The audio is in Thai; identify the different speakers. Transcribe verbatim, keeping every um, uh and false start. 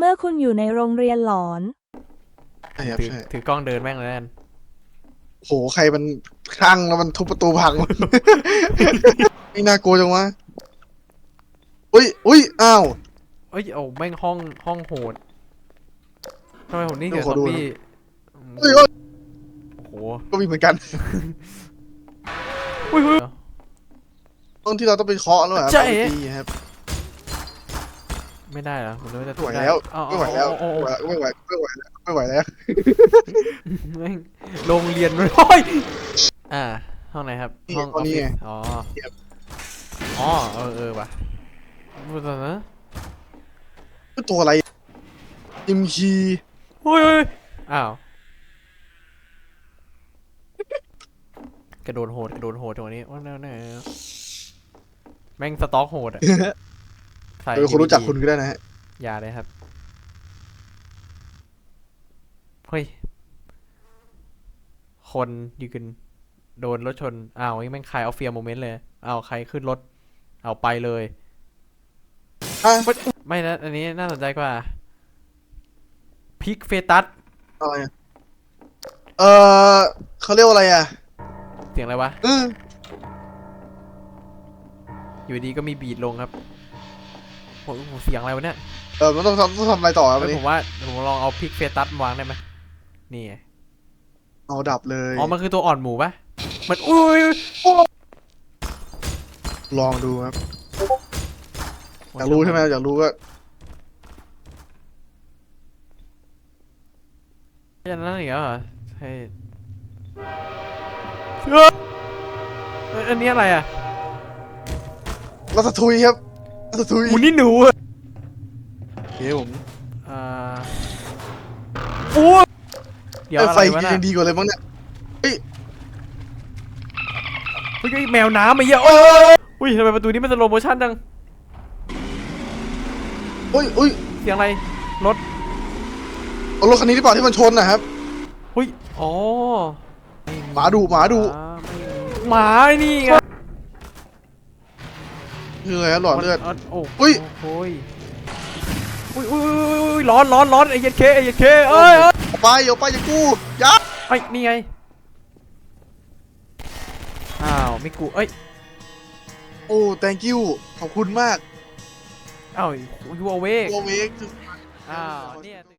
Speaker 1: มื่อคุณอยู่ในโรงเรียนหลอน
Speaker 2: ใช่ครับ
Speaker 3: ถือ
Speaker 2: ใช่
Speaker 3: ถือกล้องเดินแม่งเลยนั่น
Speaker 2: โหใครมันคลั่งแล้วมันทุบประตูพัง นี่น่ากลัวจังวะอุ้ยอุ้ยอ้าว
Speaker 3: เอ้ยโอ้แม่งห้องห้องโหดทำไมผมนี่
Speaker 2: เดี๋
Speaker 3: เกี่
Speaker 2: ย
Speaker 3: ยว ว
Speaker 2: ข
Speaker 3: กั
Speaker 2: อบ ดู
Speaker 3: พี่
Speaker 2: เฮ้ยเฮ้ย
Speaker 3: โอ้โห
Speaker 2: ก็มีเหมือนกัน
Speaker 3: อุ้ยอุ้ย
Speaker 2: ตรงที่เราต้องไปเคาะแล้วเหรอ
Speaker 3: ใช่
Speaker 2: เอาไปตีครับ
Speaker 3: ไม่ได้เหรอผมนึกว่าจะ
Speaker 2: ไม่ไหว
Speaker 3: ได้
Speaker 2: แล้ว
Speaker 3: เอา
Speaker 2: ไม่ไหวแล้ว
Speaker 3: เอาเอาเอา
Speaker 2: ไม่ไหวไม่ไหวแล้วไม่ไหวแล้ว
Speaker 3: แม่งโรงเรียนมันโอ้ยอ่าห้องไหนครับ
Speaker 2: นี่
Speaker 3: ห้องอ
Speaker 2: ตอ
Speaker 3: อน ฟ
Speaker 2: นี้
Speaker 3: ฟิศ
Speaker 2: ไง
Speaker 3: อ๋ออ๋อเออเออว่ะพูดตอนนะ
Speaker 2: ตัวอะไรยิมคี
Speaker 3: เฮ้ยเฮ้ยอ้าวกระโดดโหดกระโดดโหดตรงนี้ว่าแน่แน่แม่งสต็อกโหดอ่ะใส่
Speaker 2: เออคนรู้จักคุณก็ได้นะฮะ
Speaker 3: อย่าเลยครับเฮ้ยคนยืนโดนรถชนอ้าวนี่แม่งคลายเอาเฟียโมเมนต์เลยอ้าวใครขึ้นรถเอาไปเลย
Speaker 2: อ่ะ
Speaker 3: ไม่นะอันนี้น่าสนใจกว่าพิกเฟตัส
Speaker 2: อะไรอะเออเขาเรียกว่าอะไรอ่ะ
Speaker 3: เสียงอะไรวะ
Speaker 2: เออ
Speaker 3: อยู่ดีก็มีบีทลงครับโอ้โหเสียงอะไรวะเนี่ย
Speaker 2: เออมันต้องทำต้องทำอะไรต่อครับวัน
Speaker 3: เฮ้ย
Speaker 2: นี้
Speaker 3: ผมว่าผมลองเอาพิกเฟตัสวางได้ไหมนี่ไง
Speaker 2: เอาดับเลย
Speaker 3: อ๋อมันคือตัวอ่อนหมูปะมันอุ้ย
Speaker 2: ลองดูครับอยากรู้ใช่ไหมอยากรู้ก็
Speaker 3: อย่างนั้นอีกแล้วเหรอใช่เอ้ยอันนี้อะไรอ่ะ
Speaker 2: รัตทุยครับรัตทุย
Speaker 3: หมูนี่หนูอะ
Speaker 2: โอเคผม
Speaker 3: อ่าโอ้ยเดี๋ยว
Speaker 2: เออ
Speaker 3: อะ
Speaker 2: ไฟ
Speaker 3: ไรวะน่ะ
Speaker 2: ยังดีกว่าเลยมั้งเนี่ย
Speaker 3: เฮ้ยเฮ้ยแมวน้ำมาเยอะโอ้ยอุ้ยทำไมประตูนี้มันสโลโมชั่นจัง
Speaker 2: อุ้ยอุ้ย
Speaker 3: เสียงอะไรรถ
Speaker 2: เอารถคันนี้ที่เปล่าที่มันชนนะครับ
Speaker 3: อุ้ยอ๋อ
Speaker 2: หมาดุหมาดุ
Speaker 3: อ่าไม่มีหมาไอ้นี่ไง
Speaker 2: คืออะไรครับหลอดเลือด
Speaker 3: มันโอ้
Speaker 2: อุ๊ย
Speaker 3: โอ้ยอุ้ยอุ้ยอุ้ยอุ้ยร้อนร้อนร้อนไอ้เหี้ย็ดเคไอ้เหี้ย็ดเคเอ้ยเอ้ย
Speaker 2: เอาไปเอาไปอย่ากู้ยัด
Speaker 3: ไอ้ยนี่ไงอ้าวไม่กูเอ้ย
Speaker 2: โอ้ thank you ขอบคุณมาก
Speaker 3: อ้าวยูเอาเวก
Speaker 2: โอเวก
Speaker 3: อ้าวเนี่ย